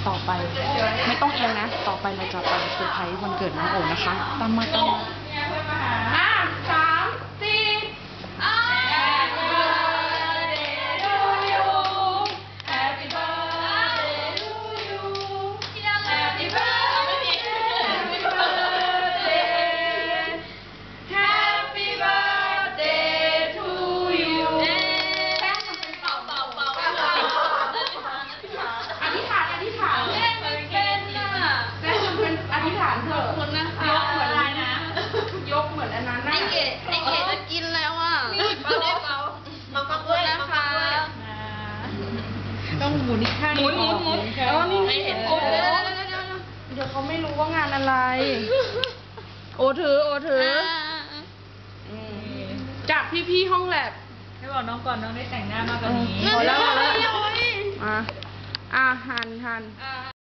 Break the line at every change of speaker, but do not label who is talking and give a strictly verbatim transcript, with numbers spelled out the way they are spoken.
ต่อไปไม่ต้องเองนะ ต่อไปเราจะไปเซอร์ไพรส์วันเกิดน้องโอนะคะ ตามมาตามมาอ่ะสามสี่ Happy birthday to you Happy birthday to you Happy birthday Happy birthday Happy birthday to you แป้งทำเป็นเป่าเป่าเป่าเป่าอธิษฐานอธิษฐานแป้งมันเป็นน่ะแป้งทำเป็นอธิษฐานเถอะคนนะคะยกเหมือนอะไรนะยกเหมือนอันนั้นนะ
ไอเกดไอเกดจะกินแล้วอ่ะเป่าได้เป่ามาฟังด้วยนะคะต้องหมุนอีกข้างหมุนหมุนหมุนเออนี่ไม่เห็นโอ้เดี๋ยวเขาไม่รู้ว่างานอะไร โอถือโอถือจากพี่ๆห้องแลบ
ให้บอกน้องก่อนน้องได้แต่งหน้ามากกว่านี้
พอแล้วพอแล้วอ่ะอ่ะหันหัน